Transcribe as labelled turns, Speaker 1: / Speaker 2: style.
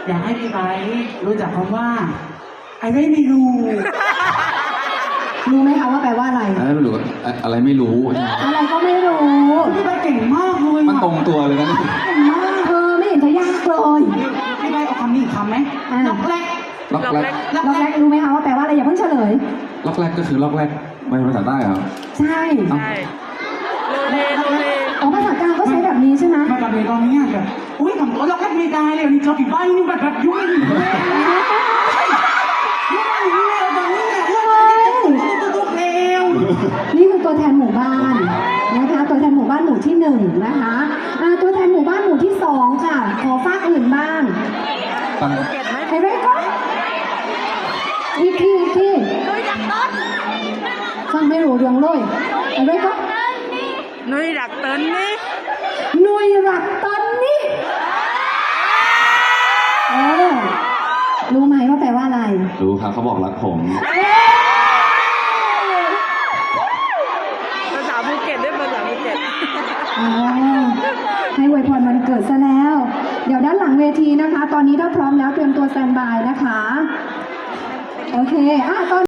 Speaker 1: อยากให้พี่ไบร์ทรู้จักคำว่าไอ้ไม่รู้
Speaker 2: รู้ไหมคะว่าแปลว่าอะไร
Speaker 3: อะไรไม่รู้อะไรไม่รู้
Speaker 2: อะไรก็ไม่รู้
Speaker 1: พี่ไบร์ทเก่งมากเลย
Speaker 3: มันตรงตัวเลยนะ
Speaker 2: เก่งมากไม่เห็นจะยากเลย
Speaker 1: พี่ไบร์ทเอาคำนี้อีกคำไหมล็อกแรก
Speaker 3: ล็อกแรก
Speaker 2: ล็อกแรกรู้ไหมคะว่าแปลว่าอะไรอย่าเพิ่งเฉลย
Speaker 3: ล็อกแรกก็คือล็อกแรกไม่ใช่ภาษาใต้เหรอ
Speaker 2: ใช่
Speaker 3: เอ้า
Speaker 4: ใช่โลเล
Speaker 2: อ๋อภาษากลางก็ใช้แบบนี้ใช่ไหม
Speaker 1: มากับเด็กตอนนี้แบบอุ้ยทำตัวล็อกแรกไม่ได้เลยนี่เจอพี่ไบร์ทนี่แบบยุ่งอยู่เลยยุ่งอยู่เลยตอนนี้เนี่ยตุ๊กเร็ว
Speaker 2: นี่คือตัวแทนหมู่บ้านนะคะตัวแทนหมู่บ้านหมู่ที่1นะคะตัวแทนหมู่บ้านหมู่ที่2ค่ะขอฝากอื่นบ้าง
Speaker 3: ตั้ง
Speaker 4: เก็บไหม
Speaker 2: ไอ้เรก็อีกทีฟังไม่รู้เรื่องเลยไอ้เรก็
Speaker 4: นุ้ยดักเติ้ลนี่
Speaker 2: หน่วยหลักตอนนี้รู้ไหมว่าแปลว่าอะไร
Speaker 3: รู้ครับเขาบอกรักผม
Speaker 4: ภาษาภูเก็ตด้วยภาษาภูเก็ต
Speaker 2: ให้อวยพรวันเกิดซะแล้ว เดี๋ยวด้านหลังเวทีนะคะ ตอนนี้ถ้าพร้อมแล้วเตรียมตัวสแตนบายนะคะ โอเคตอน